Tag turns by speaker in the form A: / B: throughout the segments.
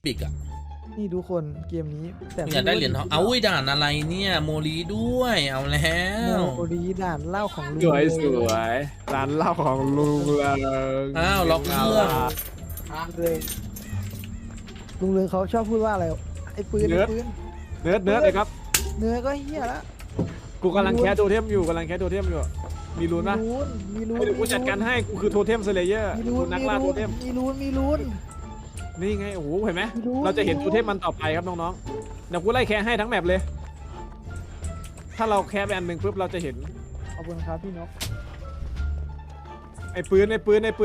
A: ปิกอะ
B: นี่ทุกคนเกมนี้แต่
A: อยากได้เหรียญทองเอาด่านอะไรเนี่ยโมลีด้วยเอาแล้ว
B: โมรีด่านเหล้าของลุง
C: สวยสวยร้านเหล้าของลุงเลย
A: อ้าวล็อกเครื่อง
B: เลยลุงเรืองเขาชอบพูดว่าอะไรไอ้ปืนไอ้ปืน
C: เนื้อเลยครับ
B: เนื้อก็เฮี้ยละ
C: กูกำลังแคสโทเทมอยู่มีลุ้นปะ
B: มีลุ้น
C: เดี๋ยวกูจัดการให้กูคือโทเทมสเลเยอร์
B: มีลุ้น
C: นักล่าโทเทม
B: มีลุ้น
C: นี่ไงโอ้โหเห็นไหม
B: มีลุ้น
C: เราจะเห็นโทเทมมันต่อไปครับน้องๆเดี๋ยวกูไล่แคสให้ทั้งแมปเลย ถ้าเราแคสไปอันหนึ่งปุ๊บเราจะเห็น
B: ขอบคุณครับพี่นก
C: ไอ้ปืน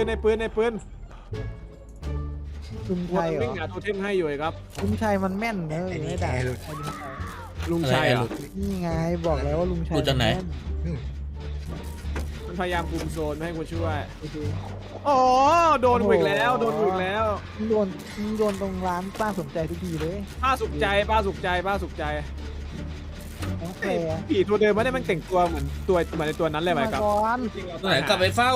B: ลุง
C: กู
B: ชัยเหร
C: วิ่ง
B: อ
C: หาโทเทมให้อยู่ครับ
B: ลุงชัยมันแม่นเนอะไม่ได้
C: ลุงชัยเหรอ
B: นี่ไงบอกแล้วว่าลุงชัย
A: ดูจากไหน
C: มันพยายามคุมโซนไม่ให้กูช่วย
B: โอเค
C: อ๋อโดนกูอีกแล้วโดนกูอีกแล้ว
B: มึงโดนตรงร้านป้าสนใจทุกทีเลย
C: ป้าสุขใจ
B: น้องแฟร์
C: ผีตัวเดิมไม่ได้มันแต่งตัวเหมือนในตัวนั้นเลยไหมครับ
B: ก่อน
A: ตัวไหนกลับไปเฝ้า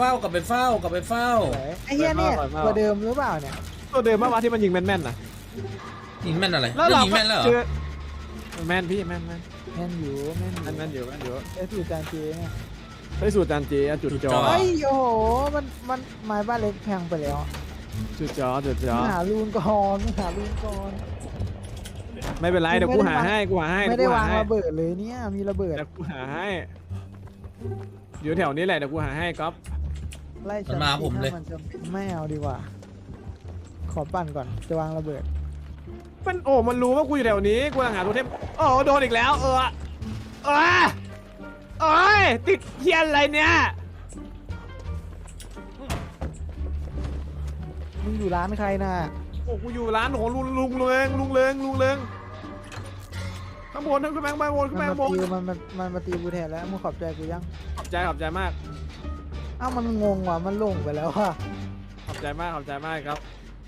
B: ไอ้เหี้ยเนี่ยตัวเดิมหรือเปล่าเนี่ย
C: ตัวเดิมเมื่อวานที่มันยิงแม่นๆนะ
A: ยิงแม่นอะไร
C: แล้ว
A: แล้ว
C: เรา
A: ยิงแม่นแล้วเหร
C: เจ
A: อ
C: อแม่นพี่แม่น
B: แม่นอยู่
C: ไอ้
B: ไอ้สูตรจานเจเนี่ย
C: ไปสู่จานเจจุดจอ
B: เฮ้ยโอ้โหมันไม้บ้านเล็กแพงไปแล้ว
C: จุดจอ
B: หาลูนก่อน
C: ไม่เป็นไรเดี๋ยวกูหาให้
B: ไม่ได้วางระเบิดเลยเนี่ยมีระเบิด
C: เดี๋ยวกูหาให้อยู่แถวนี้แหละเดี๋ยวกูหาให้ก๊อฟ
B: ไล่มันจะไม่เอาดีกว่า ขอปั่นก่อนจะวางระเบิด
C: มันรู้ว่ากูอยู่แถวนี้กูกำลังหาตัวเทพโอ้โดนอีกแล้วโอ้ยติดเทียนอะไรเนี่ย
B: มึงอยู่ร้านใครน่ะ
C: โอ้กูอยู่ร้านของลุงเริงข้างบนขึ้นไปข้างบน
B: มันมาตีกูแทนแล้วมึงขอบใจกูยัง
C: ขอบใจมาก
B: อ้าวมันงงว่ะมันหลงไปแล้วว่ะ
C: ขอบใจมากครับ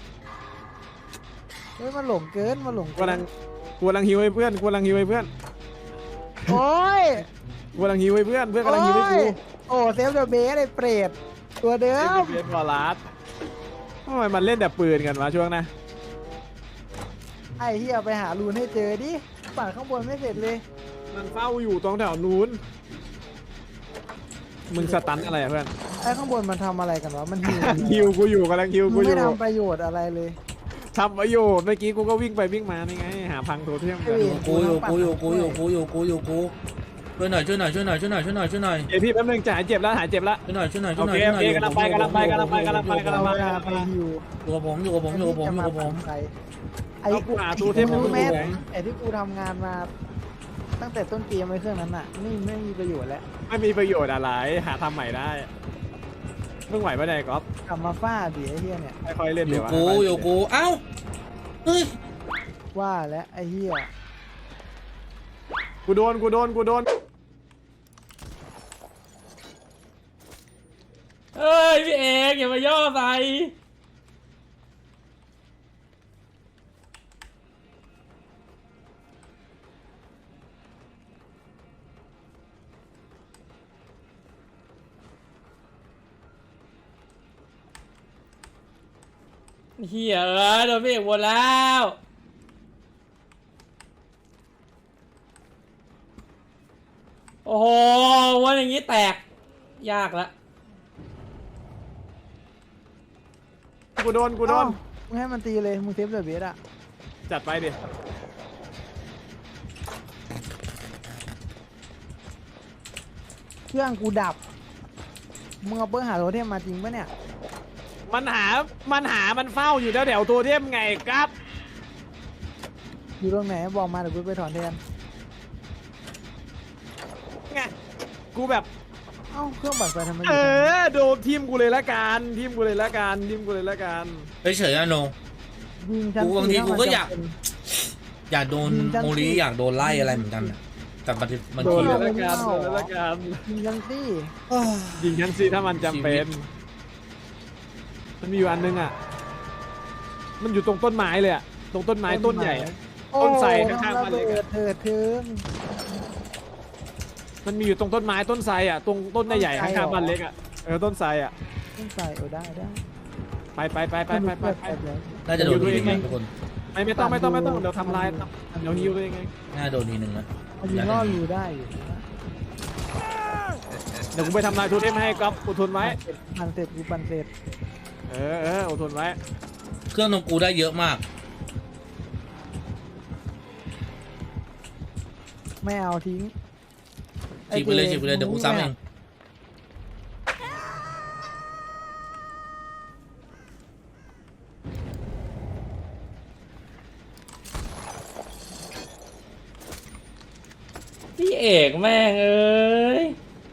B: เฮ้ยมันหลงเกิน
C: กูกำลังฮิวให้เพื่อน
B: โอ้ย
C: กูกำลังฮิวให้เพื่อนกำลังฮิวให้กู
B: โอ้เซฟเดอะเบสไอ้เปรตตัวเดิม
C: เบสบอลลัสทำไมมันเล่นแต่ปืนกันวะช่วงนะ
B: ไอ้เฮียไปหารูนให้เจอดิปั่นข้างบนไม่เสร็จเลย
C: มันเฝ้าอยู่ตรงแถวนู้นมึงสตันอะไรอะเพื่อน
B: ไอ้ข้างบนมันทำอะไรกันวะมันหิว
C: ฮิวกูอยู่กำลังฮิว
B: มึ
C: กู
B: ง
C: อ
B: ไม่
C: ยู่
B: ทำประโยชน์อะไรเลย
C: ทำประโยชน์เมื่อกี้กูก็วิ่งไปวิ่งมานี่ไงหาพังโทเทมกัน
A: กูอยู่ช่วยหน่อย
C: เดี๋ยวพี่แป๊บนึงจะหายเจ็บแล้ว
A: ช่วยหน่อย
C: โอเคกำลังไป
B: ไปหิว
A: อยู่กับผม
B: ไอ้
C: เอากูหาตัวเทพ
B: รู้ไหม
C: กูไหน
B: ไอ้ที่กูทำงานมา ตั้งแต่ต้นเกมไว้เครื่องนั้นน่ะไม่มีประโยชน์แล้ว
C: ไม่มีประโยชน์อะไรหาทำใหม่ได้เพิ่งไหวปะเนี่ยก๊อฟ
B: กลับมาฟาดดิไอ้เฮียเนี่ย
C: ค่อยๆเล่น
A: อ
C: เดี๋
A: ยู่
C: ยว
A: กูเอ้าเฮ้ย
B: ว่าแล้วไอ้เฮีย
C: กูโดน
A: เฮ้ยพี่เอกอย่ามาย่อใส่เฮียโดนพี่เอกวนแล้วโอ้โหวันอย่างนี้แตกยากละ
C: กูโดน
B: อ้าวมึงให้มันตีเลยมึงเซฟเดอะเบสอะ
C: จัดไปดิ
B: เครื่องกูดับมึงเอาเปิ้ลหาโรเทมมาจริงปะเนี่ย
C: มันเฝ้าอยู่แถวตัวเทมไงครับ
B: อยู่ตรงไหนบอกมาเดี๋ยวกูไปถอนแทน
C: ไงกูแบบ
B: เอ้าเครื่องปั่นไฟทำไม
C: โดนทีมกูเลยละกันเ
A: เฉยๆนะโน
B: ยิงฉัน
A: กูบางทีกูก็อยาก
B: เป็น
A: อยากโดนโมลีอยากโดนไล่อะไรเหมือนกันน่ะแต่บางที
C: โดน
B: โด
C: เลย
B: น
C: ละกัน
B: ยิงฉันสิ
C: ยิงฉันสิถ้ามันจำเป็นมันมีอยู่อันนึงอ่ะมันอยู่ตรงต้นไม้เลยอ่ะตรงต้นไม้ต้นใหญ่อะ ต้นไทรข้างๆบ้านเล็กอะ
B: เถิดเทิง
C: มันมีอยู่ตรงต้นไม้ต้นไทรอ่ะตรงต้นใหญ่ๆข้างๆบ้านเล็กอ่ะต้นไทรอ่ะ
B: ต้องใส่ได้
C: ไป
A: น่าจะโดนทีมทุกคน
C: ไม่ต้องเดี๋ยวทำลายเดี๋ยวฮิวตัวเองไง
A: น่าโดนทีหนึ่งนะ
B: มันยิงล่อรูได้อยู่นะ
C: เดี๋ยวกูไปทำลายโทเทมให้ก๊อฟอดทนไว้
B: ปั่นเสร็จกูปั่นเสร็จ
C: อดทนไว้
A: เครื่องตรงกูได้เยอะมาก
B: ไม่เอาทิ้ง
A: ฉีกไปเลยเดี๋ยวกูซ้ำเอง พี่เอกแม่งเอ้ย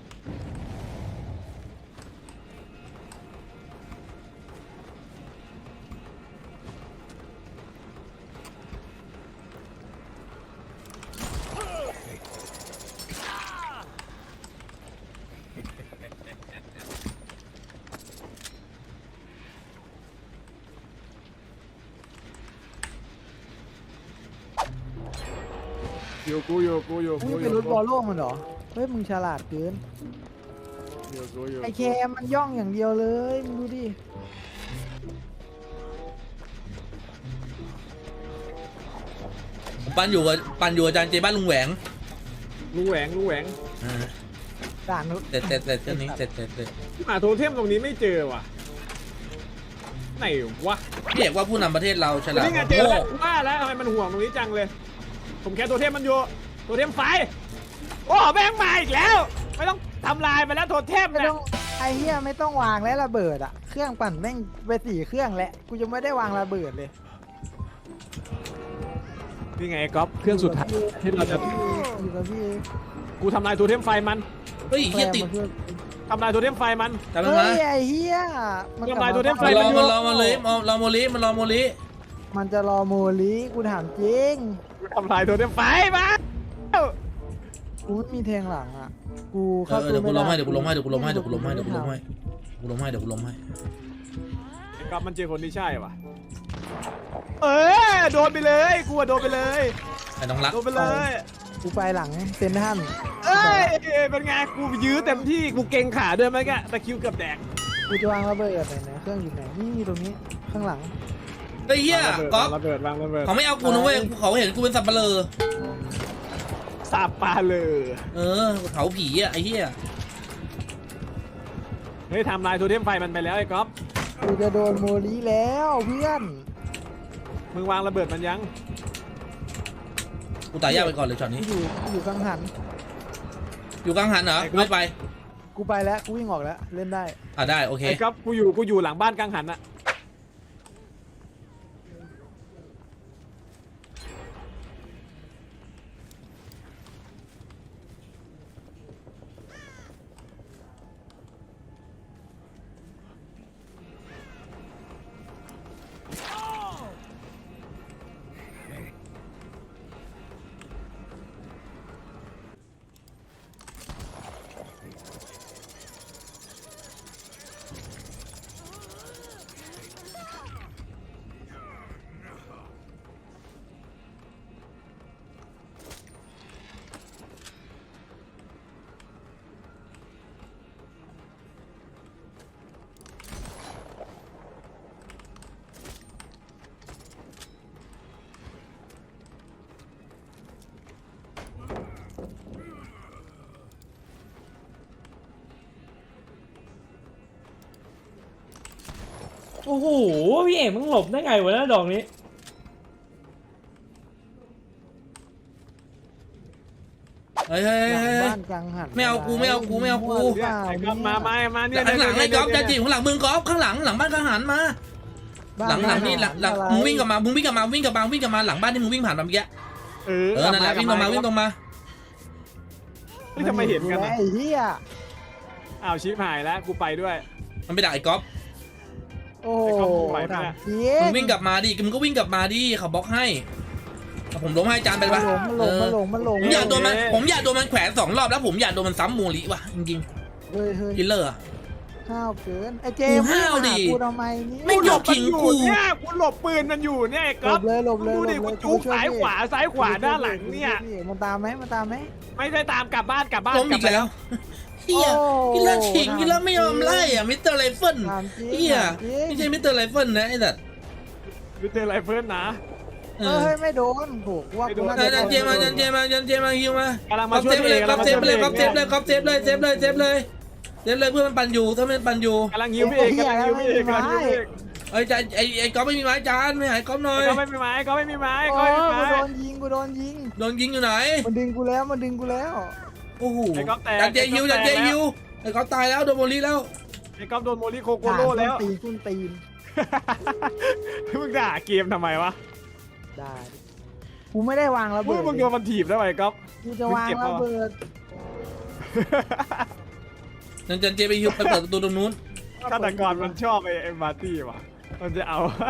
C: อยู่กู
B: มึงเป็นรถบอลโล่มันเหรอเฮ้ยมึงฉลาดเกินไอแคมมันย่องอย่างเดียวเลยมึงดูดิ
A: ปันอยู่อาจารย์เจบ้านลุงแหวง
C: ลุงแหวง
B: ด่าน
A: เสร็จเรื่องนี้เสร็จ
C: หาโทเทมตรงนี้ไม่เจอว่ะไหนวะ
A: พี่เอกว่าผู้นำประเทศเราฉลาด
C: นี่ไงเจอแล้วว่าแล้วทำไมมันห่วงตรงนี้จังเลย ผมแค่โทเทมมันอยู่โทเทมไฟโอ้แม่งมาอีกแล้ว ไม่ต้องทำลายไปแล้วโทเทม
B: ไม่
C: นะ
B: ต้องไอเฮียไม่ต้องวางแล้วระเบิดอ่ะเครื่องปั่นแม่งไป4 เครื่องแล้วกูจะไม่ได้วางระเบิดเลย
C: นี่ไงก๊อฟเครื่องสุดท้ายที่เราจะ
B: อยู่กับพี่
C: กูทำลายโทเทมไฟมัน
A: เฮ้ยเฮียติด
C: ทำลายโทเทมไฟมัน
A: จำได้
B: เฮ้
A: ไหม
B: ยไอเฮีย
C: ทำลายตัวเทมไฟ
A: มันรอโมลิ
B: มันจะรอโมลิกูถามจริง
C: กูทำลายโทเทมไฟมา
B: กูไม่มีแทงหลังอ่ะกูเข้า
A: เดี๋ยวกู
B: ไม่
A: ล้มให้
B: ได้
A: เดี๋ยวกูล้มให้ไอ้
C: ก๊อฟมันเจอคนที่ใช่ปะโดนไปเลยกูโดนไปเลย
A: ไอ้น้องรัก
C: โดนไปเลย
B: กูไปหลังเซนทัน
C: เป็นไงกูยื้อเต็มที่กูเก่งขาด้วยไหมแกตะคิวเกือบแดง
B: กูจะวางระเบิดไหนเครื่องอยู่ไหนนี่ตรงนี้ข้างหลัง
A: เฮ้ยเฮียก๊อฟ
C: ระเบิดวางระเบิด
A: เขาไม่เอากูนะเว้ยเขาเห็นกูเป็นสับเปลือ
C: สาบปลาเลย
A: เขาผีอ่ะไอ้เฮีย
C: เฮ้ยทำลายโทเทมไฟมันไปแล้วไอ้ก๊อฟ
B: กูจะโดนโมลิแล้วเพื่อน
C: มึงวางระเบิดมันยัง
A: กูตายยากไปก่อนเลยช็อตนี้
B: อยู่กังหัน
A: อยู่กลางหันเหรอไม่ไป
B: กูไปแล้วกูวิ่งออกแล้วเล่นได้
A: ได้โอเค
C: ไอ้ก๊อฟกูอยู่หลังบ้านกังหันอะ
A: โอ้โหพี่เอกมึงหลบได้ไงวะดอกนี้เฮ้ย
B: บ้านกังหัน
A: ไม่เอากู
C: ไอ้ก๊อฟมาเนี่ย
A: ข้างหลังไอ้ก๊อฟจะจีบข้างหลังมึงก๊อฟข้างหลังบ้านข้างหันมาหลังนี่หลังมึงวิ่งกลับมาหลังบ้านที่มึงวิ่งผ่านมาเมื่อกี้นั่นแหละวิ่งตรงมา
C: นี่ทำไมเห็นกัน
B: ไอ้เหี้ย
C: อ้าวชิปหายแล้วกูไปด้วย
A: มันไปดักไอ้ก๊อฟ
B: โอ้ถามจริ
A: มึงวิ่งกลับมาดิมึงก็วิ่งกลับมาดิเขาบล็อกให้ผมล้มให้จานไปปะ
B: มันหลง
A: ผมอยากโดนมันแขวน2 รอบแล้วผมอยากโดนมันซ้ำโมลิว่ะจริง
B: เฮ้ย
A: กินเลอร์
B: ห้าวเกินไอ้เจ
A: กูห้าวดิ
B: กูทำไมนี่
A: ไม่หยอกขิงกู
C: เนี่ยกูหลบปืนมันอยู่เนี่ยไอ้
B: หล
C: ก๊อฟ
B: บเลย
C: ดูดิกูจุกซ้ายขวาด้านหลังเนี่ย
B: มันตามไหม
C: ไม่ได้ตามกลับบ้าน
A: ล้มอีกแล้วเฮียกินแล้วขิงกินแล้วไม่ยอมไล่อ่ะมิสเตอร์ไรเฟิลเฮียไม่ใช่มิสเตอร์ไรเฟิลนะไอ้สัตว์
C: มิสเตอร์ไรเฟิลนะ
A: เอ
B: เฮ้
A: อย
B: ไม่โดนถูกว่ากูน่า
A: จันเจมาฮิวมา
C: กำลัง
A: ก๊
C: มา
A: อฟ
C: ช่ว
A: เซ
C: ย
A: ฟเลย
C: กำ
A: ก๊
C: ลั
A: อง ฟ
C: มา
A: เซ
C: ช่ว
A: ฟ
C: ย
A: เลยก๊อฟเซฟเลยก๊อฟเซฟเลยเซฟเลยเซฟเลยเซฟเลยเพื่อนมันปั่นอยู่ถ้ามันปั่นอยู่
C: กำลังฮิวพี่เอกกำลังฮิวพี่เอกกำลังฮิวพี่เอก
A: ไอ้จันไอ้ก๊อฟไม่มีไม้จานไม่หายก๊อฟหน่อย
C: ก็ไม่มีไม้ก็ไม่มีไม้
B: โอ้
C: ก็ไม่มี
B: กู
C: ไม้
B: โดนยิงกูโดนยิง
A: โดนยิงอยู่ไหน
B: มันดึงกูแล้วมันดึงกูแล้ว
A: โอ้โห
C: ไอ้ก๊อฟแตก
A: จันเจฮิวจันเจฮิวไอ้ก๊อฟตายแล้วโดนโมลีแล้ว
C: ไอ้ก๊อฟโดนโมลิโคโกโร่แล้ว
B: ตีนตีน
C: มึงด่าเกมทำไมวะ
B: ได้กูไม่ได้วางระ
C: มึ
B: เบิ
C: ง
B: ด
C: มึงโดนมันถีบได้ไหมก๊อฟ
B: กูจะวางระเบิด
A: จันเจไปฮิวไปเปิดประตูตรงนู้น
C: ฆาตกรมันชอบไอ้มาร์ตี้ว่ะมันจะเอา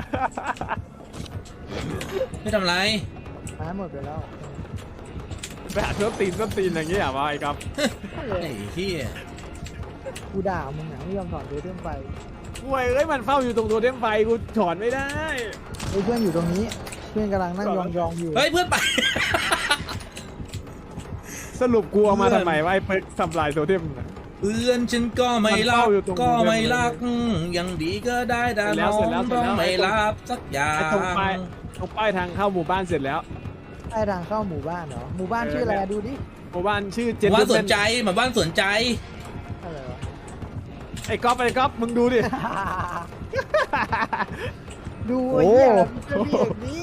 A: ไม่ทำไร
B: หายหมดไปแล้ว
C: ไปหาส้นตีนอย่างเงี้ยว่ะไอ้ก๊อฟ
A: ไอ้เหี้ย
B: กูด่ามึงหนังไม่ยอมถอนตัวเรื่องไป
C: ห่วยเอ้ยมันเฝ้าอยู่ตรงตัวเทมไฟกูถอนไม่ได้
B: เฮ้ยเพื่อนอยู่ตรงนี้เพื่อนกำลังนั่งยองๆอยู่
A: เฮ้ยเพื่อนไป
C: สรุปกูเอามาทำไมวะไอ้เปิร์กทำลายตัวเทมน่ะ
A: เพื่อนฉันก็ไม่รัก
C: มันเฝ้าอยู่ตรง
A: ก็ไม่รักยังดีก็ได้แต่
C: เสร็จแล้
A: น้
C: ว
A: อง
C: เสร็จแล้ว
A: ต้องไม่รับสักอย่าง
C: ไอ้ตรงป้ายทางเข้าหมู่บ้านเสร็จแล้ว
B: ใต้ทางเข้าหมู่บ้านเหรอหมู่บ้านชื่ออะไรอะดูดิ
C: หมู่บ้านชื่อเจ
A: ห
C: น
A: มู่บ้านสนใจหมู่บ้านสนใจ
B: อะไรวะ
C: ไอ้ก๊อฟมึงดูดิ
B: ดูไอ้เหี้ยจะมีอย่างนี้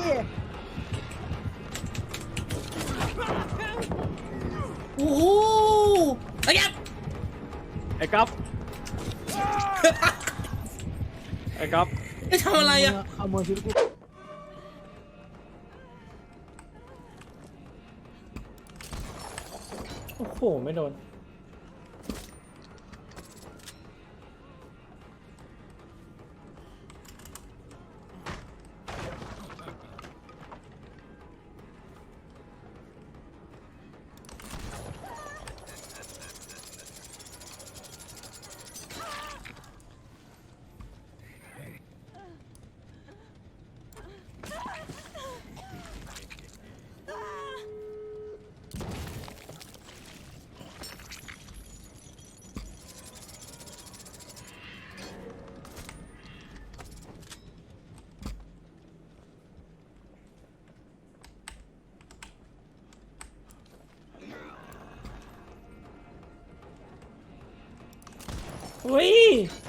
A: โอ้โหไอ้ยับ
C: ไอ้ก๊อฟไอ้ก๊อฟ
A: ไอ้ทำอะไรอะ
B: ขโมยชุดกู
D: โอ้โห ไม่โดน เฮ้ย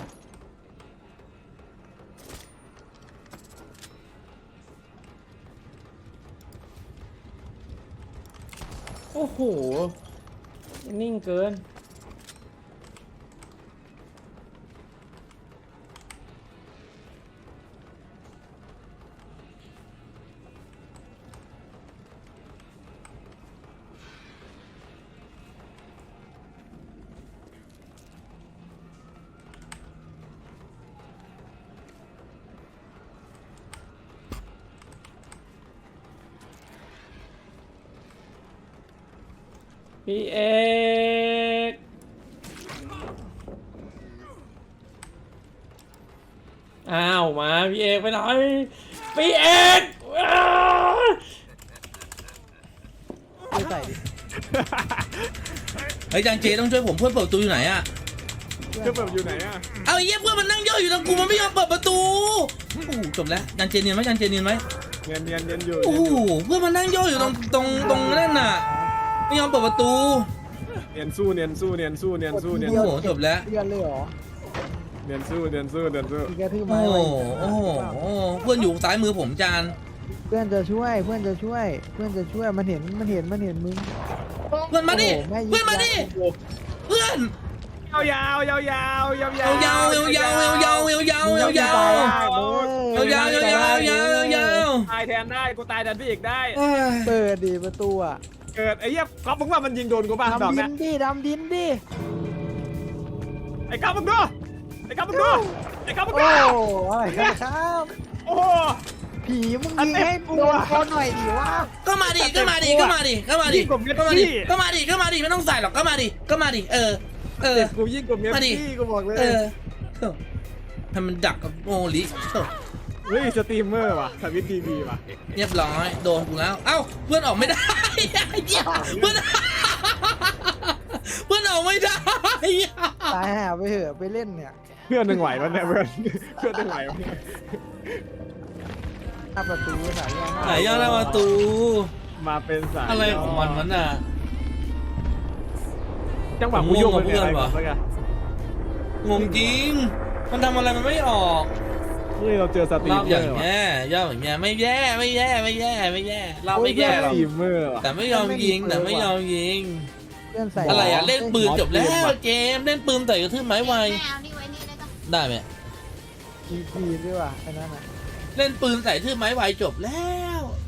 D: โอ้โห นิ่งเกิน พี่เอกอ้าวมาพี่เอกไปไหนพี่เอกอ้าว
B: ไม่ใส่ดิ
A: เฮ้ยจันเจต้องช่วยผมเพื่อนเปิดประตูอยู่ไหนอะ
C: เพื่อนแบบอยู่ไหนอ่ะ
A: เอาไอ้เหี้ยเพื่อนมันนั่งย่ออยู่ตรงกูมันไม่ยอมเปิดประตูโอ้โหจบแล้วจันเจเนียนไหมจันเจเนียนไหม
C: เนียนอยู่
A: โอ้โหเพื่อนมันนั่งย่ออยู่ตรงนั่นน่ะไม่ยอมเปิดประตู
C: เนียนสู้
B: เดี
A: โอ้
B: ยว
A: โหจบแล้ว
B: เดือนเลยเหรอ
C: เนียนสู้
B: มีกระทืบ
A: โอ้
B: ไม้
A: โห
B: ไว้
A: โอ้โหเพื่อนอยู่ซ้ายมือผมจาน
B: เพื่อนจะช่วยเพื่อนจะช่วยมันเห็นมึง
A: เพื่อนมาดิ
B: โอ้โหแม่ยิง
A: เพื่อนมาดิเพื่อน
C: ยาวยาว
A: ยาวยาวยาวยาวยาวยาวยาวยาวยาวยาว
C: ตายแทนได้กูตายแทนพี่เอกได้
B: เปิดดิประตูอ่ะ
C: เกิดไอ้เหี้ยก๊อฟมึงว่ามันยิงโดนกูป่ะดอก
B: ดำดิ
C: เนี้
B: น
C: ย
B: ดิดำดินดิ
C: ไอ้ก๊อฟมึงดูไอ้ก๊อฟมึงดู
B: โอ้อะไรกันครับ
C: โอ้โห
B: ผีมึงยิงให้โดนคนหน่อยดิวะ
A: ก็มาดิไม่ต้องใส่หรอกก็มาดิเออ
C: กูยิ่งกว่าเมียพี่กูบอกเลย
A: ให้มันดักกับโมลิ
C: เฮ้ยสตรีมเมอร์ว่ะทวิตทีวีว่ะ
A: เรียบร้อยโดนกูแล้วเอ้าเพื่อนออกไม่ได้เพื่อนออกไม่ได้
B: ตายหาไปเถอะไปเล่นเนี่ย
C: เพื่อนหนึ่งไหววะเนี่ยเพื่อนหนึ่งไหววะ
B: หน้าประตูสายย่อ
A: ไหนย่อหน้าประตู
C: มาเป็นสาย
A: อะไรของมันมันน่ะ
C: จังหวะกูโยกไปเป็นอะไร
A: งงกับเพื่อน
C: ก่อ
A: วะ
C: นเมื่อกี้
A: งงจริงมันทำอะไรมันไม่ออก
C: เฮ้ยเราเจอสตรี
A: ร
C: ม
A: อบ
C: เม
A: อ
C: อย่าง ร์ว่ะ
A: เงี้ยย่ออย่างเงี้ยไม่แย่ไม่แย่ไม่แย่ไม่แย่เราไม่แย่
C: ส
A: หรอก
C: ตรีมเมอร์ว่ะ
A: แต่ไม่ยอมยิงแต่ไม่ยอมยิง
B: เพื่อนใส่
A: อะไรอ่ะเล่นปืนจบแล้วเกมเล่นปืนใส่กระทืบไม้ไว
E: ไม่เอานี่ไว้นี่ได้ปะ
A: ได้ไหม
B: ทีด้วยว่ะไอ้นั่นอ่ะ
A: เล่นปืนใส่ทืบไม้ไวจบแล้ว